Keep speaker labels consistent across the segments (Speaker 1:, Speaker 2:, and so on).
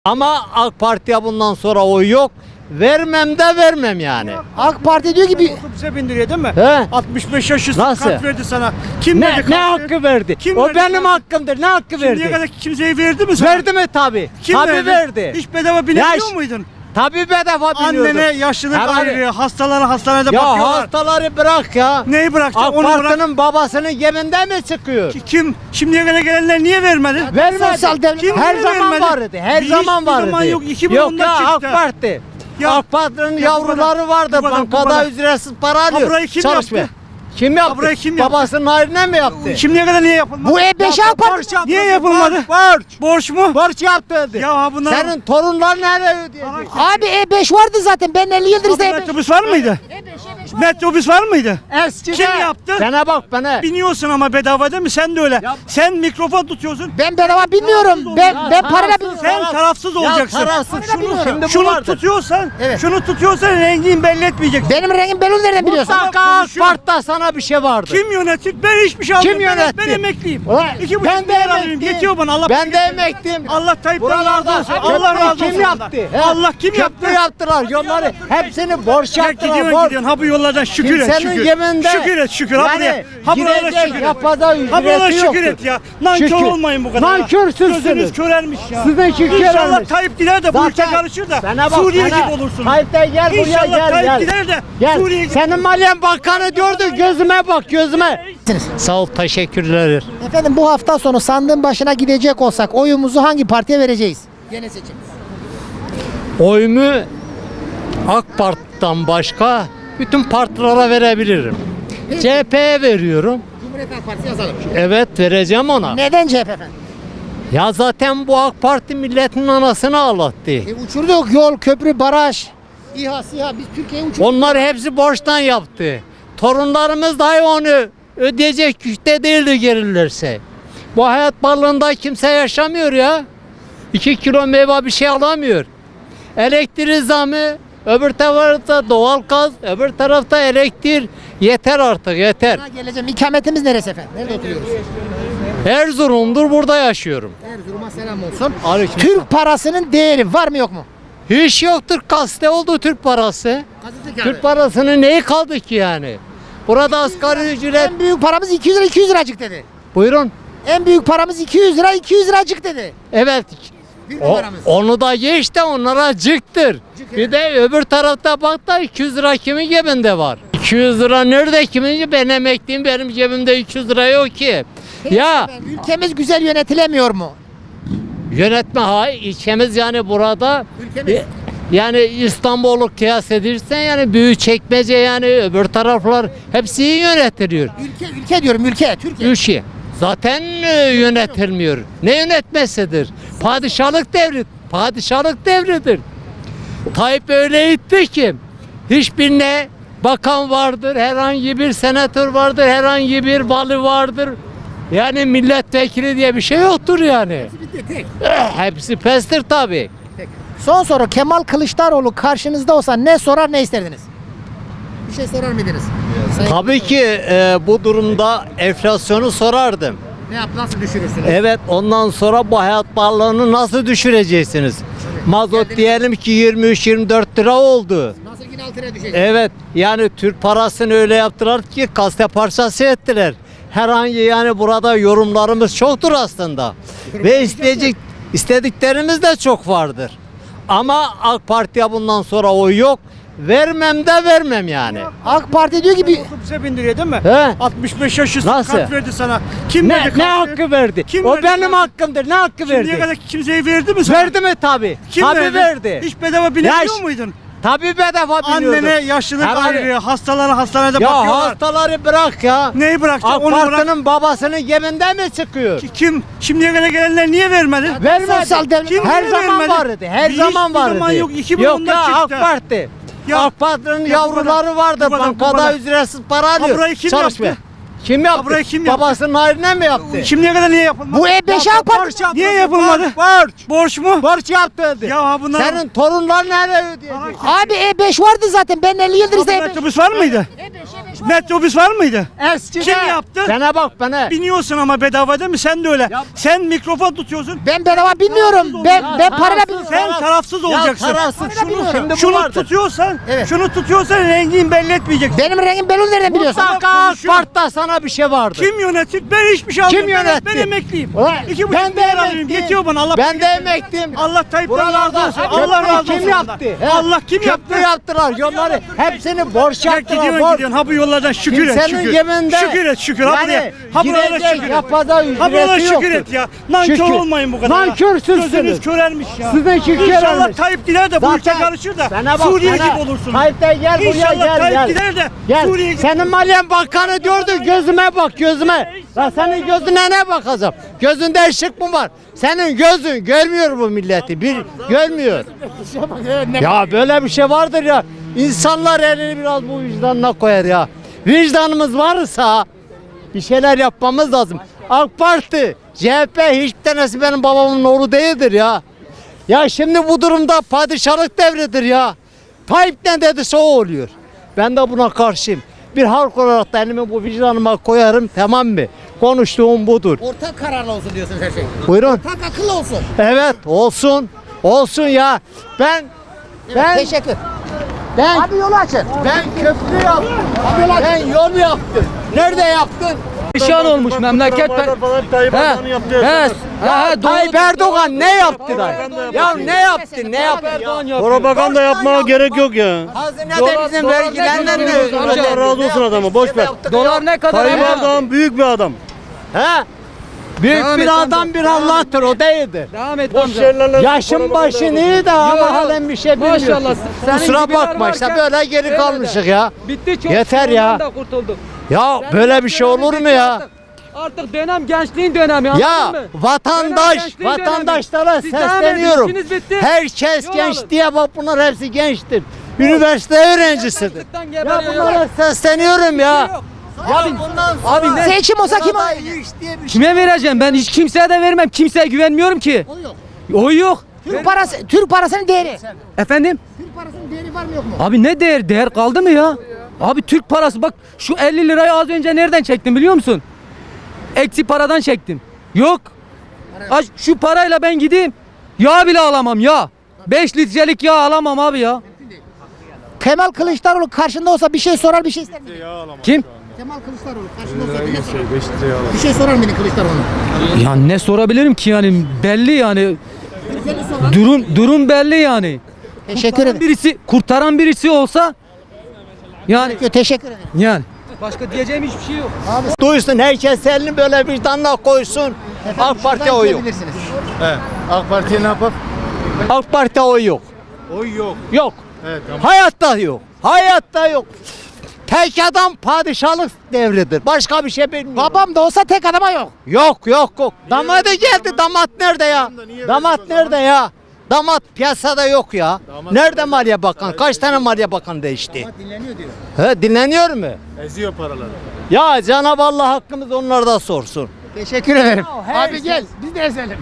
Speaker 1: Ama AK Parti'ye bundan sonra oy yok. Vermem de vermem yani.
Speaker 2: AK Parti diyor ki bir
Speaker 3: Otobüse bindiriyor değil mi?
Speaker 1: He?
Speaker 3: 65 yaş üstü
Speaker 1: Nasıl?
Speaker 3: kart verdi sana. Kim verdi
Speaker 1: Ne
Speaker 3: kartı?
Speaker 1: hakkı verdi?
Speaker 3: Kim
Speaker 1: O
Speaker 3: verdi
Speaker 1: benim
Speaker 3: kartı?
Speaker 1: hakkımdır. Ne hakkı
Speaker 3: Şimdiye
Speaker 1: verdi?
Speaker 3: kadar kimseye verdi mi sana?
Speaker 1: Verdi mi tabi?
Speaker 3: Kim
Speaker 1: Tabi verdi.
Speaker 3: Hiç bedava binebiliyor
Speaker 1: Yaş-
Speaker 3: muydun?
Speaker 1: Tabi bedava biniyordum.
Speaker 3: Annene yaşlılık
Speaker 1: Herhalde-
Speaker 3: ayrı, hastalara hastanede
Speaker 1: Ya
Speaker 3: bakıyorlar.
Speaker 1: hastaları bırak ya.
Speaker 3: Neyi bırakacaksın?
Speaker 1: AK
Speaker 3: Onu bırak.
Speaker 1: Parti'nin babasının geminde mi çıkıyor?
Speaker 3: Kim? Şimdiye kadar gelenler niye vermedi?
Speaker 1: Vermedi.
Speaker 2: sosyal devlet-
Speaker 3: Kim
Speaker 1: Her
Speaker 3: niye
Speaker 1: zaman
Speaker 3: vermedi?
Speaker 1: vardı. Her
Speaker 3: Hiçbir
Speaker 1: zaman vardı.
Speaker 3: zaman yok. 2010'da
Speaker 1: Yok ya AK
Speaker 3: çıktı.
Speaker 1: Parti.
Speaker 3: Ya-
Speaker 1: AK Parti'nin
Speaker 3: Ya
Speaker 1: yavruları vardı.
Speaker 3: bu kadar- bu
Speaker 1: Bankada
Speaker 3: kadar.
Speaker 1: ücretsiz para alıyor.
Speaker 3: burayı kim
Speaker 1: Çalışmıyor.
Speaker 3: yaptı?
Speaker 1: Kim yaptı?
Speaker 3: burayı kim yaptı?
Speaker 1: Babasının hayrına mı yaptı?
Speaker 3: Şimdiye kadar niye yapılmadı?
Speaker 2: bu E5 AK Parti.
Speaker 3: Niye yapılmadı?
Speaker 1: Borç.
Speaker 3: Borç mu?
Speaker 1: Borç yaptı dedi.
Speaker 3: Ya bunlar...
Speaker 1: Senin torunlar nereye ödeyecek?
Speaker 2: Abi E5 vardı zaten. Ben 50 yıldır işte E5.
Speaker 3: Metrobüs var mıydı? Metrobüs var mıydı?
Speaker 1: Eskide.
Speaker 3: Kim yaptı?
Speaker 1: Bana bak bana.
Speaker 3: Biniyorsun ama bedava değil mi? Sen de öyle.
Speaker 1: Ya-
Speaker 3: Sen mikrofon tutuyorsun.
Speaker 2: Ben bedava bilmiyorum. Ben parayla
Speaker 1: tarafsız
Speaker 2: bilmiyorum.
Speaker 3: Sen tarafsız olacaksın.
Speaker 1: Ya tarafsız. Şimdi bu
Speaker 3: Şunu
Speaker 1: vardır.
Speaker 3: tutuyorsan,
Speaker 2: Evet.
Speaker 3: şunu tutuyorsan rengini belli etmeyeceksin.
Speaker 2: Benim rengim belli nereden biliyorsun?
Speaker 1: Mutlaka AK Parti'de sana bir şey vardır.
Speaker 3: Kim yönetir? Ben hiçbir şey almıyorum.
Speaker 1: Kim yönetti?
Speaker 3: Ben emekliyim.
Speaker 1: Ulan
Speaker 3: 2,5
Speaker 1: ben de
Speaker 3: milyar alıyorum.
Speaker 1: emekliyim.
Speaker 3: Yetiyor bana. Allah
Speaker 1: Ben de emekliyim.
Speaker 3: Allah Tayyip'ten
Speaker 1: Buralarda
Speaker 3: razı olsun. Allah razı olsun.
Speaker 1: kim yaptı? He?
Speaker 3: Allah kim yaptı?
Speaker 1: Köprü yaptılar. Yolları hepsini borç
Speaker 3: Ya
Speaker 1: yaptılar.
Speaker 3: gidiyorsun
Speaker 1: Borç.
Speaker 3: gidiyorsun. Ha bu yollardan şükür et
Speaker 1: Kimsenin
Speaker 3: şükür.
Speaker 1: geminde.
Speaker 3: Şükür et şükür. Ha buraya. Ha buralara
Speaker 1: gidecek,
Speaker 3: şükür et.
Speaker 1: yapacağı
Speaker 3: Ha buralara
Speaker 1: ücreti
Speaker 3: şükür
Speaker 1: yoktur.
Speaker 3: et ya. Nankör
Speaker 1: Şükür.
Speaker 3: olmayın bu kadar.
Speaker 1: Nankörsünüz.
Speaker 3: Gözünüz körelmiş ya.
Speaker 1: Sizin şükür
Speaker 3: İnşallah
Speaker 1: körelmiş.
Speaker 3: Tayyip gider de bu ülke
Speaker 1: Zaten
Speaker 3: karışır da
Speaker 1: bana bak,
Speaker 3: Suriye
Speaker 1: bana.
Speaker 3: gibi olursun.
Speaker 1: Tayyip de gel buraya
Speaker 3: İnşallah
Speaker 1: gel
Speaker 3: Tayyip
Speaker 1: gel.
Speaker 3: gider de
Speaker 1: Gel.
Speaker 3: Suriye gibi.
Speaker 1: Senin Maliye Bakanı diyordu gözüme bak gözüme. Sağ ol teşekkürler.
Speaker 2: Efendim bu hafta sonu sandığın başına gidecek olsak oyumuzu hangi partiye vereceğiz? Gene seçim.
Speaker 1: Oyumu AK Parti'den başka bütün partilere verebilirim. CHP'ye veriyorum.
Speaker 2: Cumhuriyet Halk Partisi yazalım.
Speaker 1: Evet vereceğim ona.
Speaker 2: Neden CHP efendim?
Speaker 1: Ya zaten bu AK Parti milletin anasını ağlattı.
Speaker 2: Uçurduk yol, köprü, baraj. İHA, SİHA biz Türkiye'yi uçurduk.
Speaker 1: Onlar hepsi borçtan yaptı. Torunlarımız dahi onu ödeyecek güçte değildi gelirlerse. Bu hayat varlığında kimse yaşamıyor ya. 2 kilo meyve bir şey alamıyor. Elektrik zamı, öbür tarafta doğalgaz, öbür tarafta elektrik. Yeter artık yeter.
Speaker 2: Sana geleceğim. İkametimiz neresi efendim? Nerede oturuyoruz?
Speaker 1: Erzurum'dur burada yaşıyorum.
Speaker 2: Erzurum'a selam olsun.
Speaker 1: Aleyküm.
Speaker 2: Türk parasının değeri var mı yok mu?
Speaker 1: Hiç yoktur kaste oldu Türk parası. Türk parasının neyi kaldı ki yani? Burada asgari ücret.
Speaker 2: En büyük paramız 200 lira 200 liracık dedi.
Speaker 1: Buyurun.
Speaker 2: En büyük paramız 200 lira 200 liracık dedi.
Speaker 1: Evet.
Speaker 2: Büyük
Speaker 1: O,
Speaker 2: paramız.
Speaker 1: onu da ye işte onlara cıktır. Bir de öbür tarafta bak da 200 lira kimin cebinde var? 200 lira nerede kimin? Ben emekliyim benim cebimde 200 lira yok ki. Ya
Speaker 2: Efendim, ülkemiz güzel yönetilemiyor mu?
Speaker 1: yönetme ilçemiz yani burada
Speaker 2: Ülkemiz.
Speaker 1: yani İstanbul'u kıyas edirsen yani Büyükçekmece yani öbür taraflar hepsi iyi yönetiliyor.
Speaker 2: Ülke diyorum ülke Türkiye.
Speaker 1: Ülke zaten yönetilmiyor. Ne yönetmesidir? Padişahlık devri. Padişahlık devridir. Tayyip öyle itti ki hiçbirine bakan vardır, herhangi bir senatör vardır, herhangi bir vali vardır. Yani milletvekili diye bir şey yoktur yani. Hepsi pestir tabii.
Speaker 2: Son soru Kemal Kılıçdaroğlu karşınızda olsa ne sorar ne isterdiniz? Bir şey sorar mıydınız?
Speaker 1: Tabii ki bu durumda enflasyonu sorardım.
Speaker 2: Ne yap nasıl düşürürsünüz?
Speaker 1: Evet ondan sonra bu hayat pahalılığını nasıl düşüreceksiniz? Mazot diyelim ki 23-24 lira oldu.
Speaker 2: Nasıl yine 6 liraya düşecek?
Speaker 1: Evet yani Türk parasını öyle yaptılar ki kaste parçası ettiler. Herhangi yani burada yorumlarımız çoktur aslında. Ve istediklerimiz de çok vardır. Ama AK Parti'ye bundan sonra oy yok. Vermem de vermem yani.
Speaker 2: AK Parti diyor ki bir
Speaker 3: Otobüse bindiriyor değil mi?
Speaker 1: He?
Speaker 3: 65 yaş üstü
Speaker 1: Nasıl?
Speaker 3: kart verdi sana. Kim verdi
Speaker 1: Ne
Speaker 3: kartı?
Speaker 1: hakkı verdi?
Speaker 3: Kim
Speaker 1: O
Speaker 3: verdi
Speaker 1: benim
Speaker 3: kartı?
Speaker 1: hakkımdır. Ne hakkı
Speaker 3: Şimdiye
Speaker 1: verdi?
Speaker 3: kadar kimseye verdi mi sana?
Speaker 1: Verdi mi tabi?
Speaker 3: Kim
Speaker 1: Tabi verdi.
Speaker 3: Hiç bedava binebiliyor
Speaker 1: Yaş-
Speaker 3: muydun?
Speaker 1: Tabi bedava biniyordum.
Speaker 3: Annene yaşlılık
Speaker 1: Herhalde-
Speaker 3: ayrı, hastalara hastanede
Speaker 1: Ya
Speaker 3: bakıyorlar.
Speaker 1: hastaları bırak ya.
Speaker 3: Neyi bırakacaksın?
Speaker 1: AK
Speaker 3: Onu bırak.
Speaker 1: Parti'nin babasının geminde mi çıkıyor?
Speaker 3: Kim? Şimdiye kadar gelenler niye vermedi?
Speaker 1: Vermedi.
Speaker 2: Sosyal devlet-
Speaker 3: Kim
Speaker 1: Her
Speaker 3: niye
Speaker 1: zaman
Speaker 3: vermedi?
Speaker 1: vardı. Her
Speaker 3: Hiçbir
Speaker 1: zaman vardı.
Speaker 3: zaman yok. 2010'da
Speaker 1: Yok ya AK
Speaker 3: çıktı.
Speaker 1: Parti.
Speaker 3: Ya-
Speaker 1: AK Parti'nin
Speaker 3: Ya bu kadar-
Speaker 1: yavruları vardı.
Speaker 3: bu kadar- bu
Speaker 1: Bankada
Speaker 3: kadar.
Speaker 1: ücretsiz para alıyor.
Speaker 3: burayı kim
Speaker 1: Çalışmıyor.
Speaker 3: yaptı?
Speaker 1: Kim yaptı?
Speaker 3: burayı kim yaptı?
Speaker 1: Babasının hayrına mı yaptı?
Speaker 3: Şimdiye kadar niye yapılmadı?
Speaker 2: bu E5 AK Parti.
Speaker 3: Niye yapılmadı?
Speaker 1: Borç.
Speaker 3: Borç mu?
Speaker 1: Borç yaptı dedi.
Speaker 3: Ya bunlar...
Speaker 1: Senin torunlar nereye ödeyecek?
Speaker 2: Abi E5 vardı zaten. Ben 50 yıldır işte E5.
Speaker 3: Metrobüs var mıydı? Metrobüs var mıydı?
Speaker 1: Eskide.
Speaker 3: Kim yaptı?
Speaker 1: Bana bak bana.
Speaker 3: Biniyorsun ama bedava değil mi? Sen de öyle.
Speaker 1: Ya-
Speaker 3: Sen mikrofon tutuyorsun.
Speaker 2: Ben bedava bilmiyorum. Ben parayla
Speaker 1: tarafsız.
Speaker 3: Sen tarafsız olacaksın.
Speaker 1: tarafsız. Şimdi
Speaker 3: Şunu
Speaker 1: bu vardır.
Speaker 3: tutuyorsan,
Speaker 2: Evet.
Speaker 3: şunu tutuyorsan rengini belli etmeyeceksin.
Speaker 2: Benim rengim belli nereden biliyorsun?
Speaker 1: Mutlaka AK Parti'de sana bir şey vardır.
Speaker 3: Kim yönetir? Ben hiçbir şey
Speaker 1: Kim
Speaker 3: almıyorum.
Speaker 1: yönetti?
Speaker 3: Ben emekliyim.
Speaker 1: Ulan,
Speaker 3: 2,5
Speaker 1: ben de
Speaker 3: milyar alıyorum.
Speaker 1: emekliyim.
Speaker 3: Yetiyor bana. Allah
Speaker 1: Ben de emekliyim.
Speaker 3: Allah Tayyip'ten razı
Speaker 1: Buralarda
Speaker 3: olsun. Allah razı olsun.
Speaker 1: kim yaptı?
Speaker 3: ondan. Allah kim yaptı?
Speaker 1: Köprü yaptılar. Yolları hepsini borç
Speaker 3: Ya
Speaker 1: yaptılar.
Speaker 3: gidiyorsun gidiyorsun. Ha bu yollardan şükür et
Speaker 1: Kimsenin
Speaker 3: şükür.
Speaker 1: geminde
Speaker 3: Şükür et şükür. Ha buraya.
Speaker 1: yani
Speaker 3: Ha buralara
Speaker 1: girecek
Speaker 3: şükür et.
Speaker 1: yapada
Speaker 3: Ha buralara
Speaker 1: ücreti
Speaker 3: şükür
Speaker 1: yoktur.
Speaker 3: et ya. Nankör
Speaker 1: Şükür.
Speaker 3: olmayın bu kadar. ya.
Speaker 1: Nankörsüzsünüz.
Speaker 3: Gözünüz körelmiş ya.
Speaker 1: Sizinki
Speaker 3: İnşallah
Speaker 1: körelmiş.
Speaker 3: Tayyip gider de bu ülke
Speaker 1: Zaten
Speaker 3: karışır da
Speaker 1: sana bak,
Speaker 3: Suriye
Speaker 1: sana-
Speaker 3: gibi olursunuz.
Speaker 1: Tayyip de gel buraya
Speaker 3: İnşallah
Speaker 1: gel
Speaker 3: Tayyip
Speaker 1: gel.
Speaker 3: gider de
Speaker 1: Gel.
Speaker 3: Suriye gibi.
Speaker 1: Senin Maliye Bakanı gördün gözüme bak gözüme. Ya senin gözüne ne bakacağım? Gözünde ışık mı var? Senin gözün görmüyor bu milleti. Bir görmüyor. Ya böyle bir şey vardır ya. İnsanlar elini biraz bu vicdanına koyar ya. Vicdanımız varsa bir şeyler yapmamız lazım. AK Parti, CHP hiçbir tanesi benim babamın oğlu değildir ya. Ya şimdi bu durumda padişahlık devridir ya. Tayyip ne dediyse o oluyor. Ben de buna karşıyım. Bir halk olarak da elimi bu vicdanıma koyarım, tamam mı? Konuştuğum budur.
Speaker 2: Ortak kararlı olsun diyorsunuz her şey.
Speaker 1: Buyurun.
Speaker 2: Ortak akıllı olsun.
Speaker 1: Evet olsun. Olsun ya. Ben
Speaker 2: Teşekkür.
Speaker 1: ben
Speaker 2: Abi yolu açın.
Speaker 1: ben köprü yaptım. Ben yol yaptım. Nerede yaptın?
Speaker 4: Perişan olmuş memleket.
Speaker 1: Tayyip Erdoğan ne yaptı da? Ya ne yaptı? Ne yaptı?
Speaker 5: Propaganda yapmaya gerek yok ya.
Speaker 1: Hazinede bizim vergilerden ne
Speaker 5: Allah razı olsun adama, boş ver.
Speaker 4: Dolar ne kadar?
Speaker 5: Tayyip
Speaker 4: ama?
Speaker 5: Erdoğan büyük bir adam.
Speaker 1: He? Büyük
Speaker 4: Devam
Speaker 1: bir
Speaker 4: et
Speaker 1: adam
Speaker 4: amca.
Speaker 1: bir Allah'tır o değildir.
Speaker 4: Devam et
Speaker 5: Boş
Speaker 4: amca.
Speaker 5: şeylerle
Speaker 1: Yaşın başın iyi de ama halen bir şey bilmiyorsun.
Speaker 4: Maşallah. Senin
Speaker 1: Kusura
Speaker 4: gibiler
Speaker 1: bakma işte
Speaker 4: varken
Speaker 1: böyle geri
Speaker 4: öyle
Speaker 1: kalmışık
Speaker 4: de.
Speaker 1: ya.
Speaker 4: Bitti çok.
Speaker 1: Yeter ya.
Speaker 4: Da kurtulduk.
Speaker 1: Ya
Speaker 4: Sen
Speaker 1: böyle bir şey
Speaker 4: dönemi
Speaker 1: olur mu
Speaker 4: bitti
Speaker 1: ya?
Speaker 4: Artık dönem gençliğin dönemi anladın
Speaker 1: Ya
Speaker 4: mı?
Speaker 1: vatandaş,
Speaker 4: Dönem gençliğin
Speaker 1: vatandaşlara
Speaker 4: dönemi. Siz devam edin,
Speaker 1: sesleniyorum.
Speaker 4: işiniz bitti.
Speaker 1: Herkes
Speaker 4: Yol
Speaker 1: genç
Speaker 4: alın.
Speaker 1: diye bak bunlar hepsi gençtir. Üniversite öğrencisidir.
Speaker 4: Açlıktan
Speaker 1: Ya
Speaker 4: geberiyor.
Speaker 1: bunlara sesleniyorum ya.
Speaker 4: Yok.
Speaker 1: Ya bundan
Speaker 4: Abi
Speaker 1: sonra
Speaker 4: ne-
Speaker 2: Seçim olsa kim
Speaker 1: daha
Speaker 2: oy
Speaker 1: iyi
Speaker 2: verecek?
Speaker 1: iş diye bir şey.
Speaker 4: Kime vereceğim? Ben hiç kimseye de vermem. Kimseye güvenmiyorum ki.
Speaker 2: Oy yok.
Speaker 4: Oy yok.
Speaker 2: Türk parasının değeri.
Speaker 4: Efendim?
Speaker 2: Türk parasının değeri var mı yok mu?
Speaker 4: Abi ne değer? Değer kaldı mı ya? Abi Türk parası bak şu 50 lirayı az önce nereden çektim biliyor musun? Eksi paradan çektim. Yok. Şu parayla ben gideyim. Yağ bile alamam ya. 5 litrelik yağ alamam abi ya.
Speaker 2: Kemal Kılıçdaroğlu karşında olsa bir şey sorar bir şey ister miydi?
Speaker 4: Kim?
Speaker 2: Kemal Kılıçdaroğlu karşında olsa bir şey sorar mıydı Kılıçdaroğlu'na?
Speaker 4: Ya ne sorabilirim ki yani belli yani. Durum belli yani.
Speaker 2: Teşekkür ederim.
Speaker 4: Kurtaran birisi olsa yani
Speaker 2: Teşekkür ederim.
Speaker 4: yani. Başka diyeceğim hiçbir şey yok.
Speaker 1: Duysun herkes elini böyle vicdanına koysun. AK Parti'ye oy yok.
Speaker 2: Bilirsiniz.
Speaker 5: AK Parti'ye ne yapar?
Speaker 1: AK Parti'ye oy yok.
Speaker 5: Oy yok.
Speaker 1: Yok.
Speaker 5: Evet, tamam.
Speaker 1: Hayatta yok. Hayatta yok. Tek adam padişahlık devridir. Başka bir şey bilmiyor.
Speaker 2: Babam da olsa tek adama yok.
Speaker 1: Yok yok yok. Damadı geldi. Damat nerede ya? Damat nerede ya? Damat piyasada yok ya. Nerede Maliye Bakan? Kaç tane Maliye Bakan değişti?
Speaker 2: Dinleniyor diyor.
Speaker 1: He, dinleniyor mu?
Speaker 5: Eziyor paraları.
Speaker 1: Ya Cenab-ı Allah hakkımız onlarda sorsun.
Speaker 2: Teşekkür ederim. Abi gel biz de ezelim.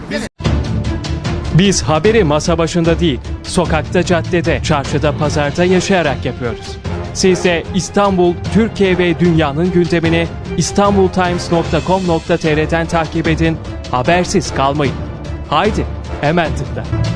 Speaker 6: Biz haberi masa başında değil, sokakta, caddede, çarşıda, pazarda yaşayarak yapıyoruz. Siz de İstanbul, Türkiye ve dünyanın gündemini istanbultimes.com.tr'den takip edin, habersiz kalmayın. Haydi, hemen tıkla.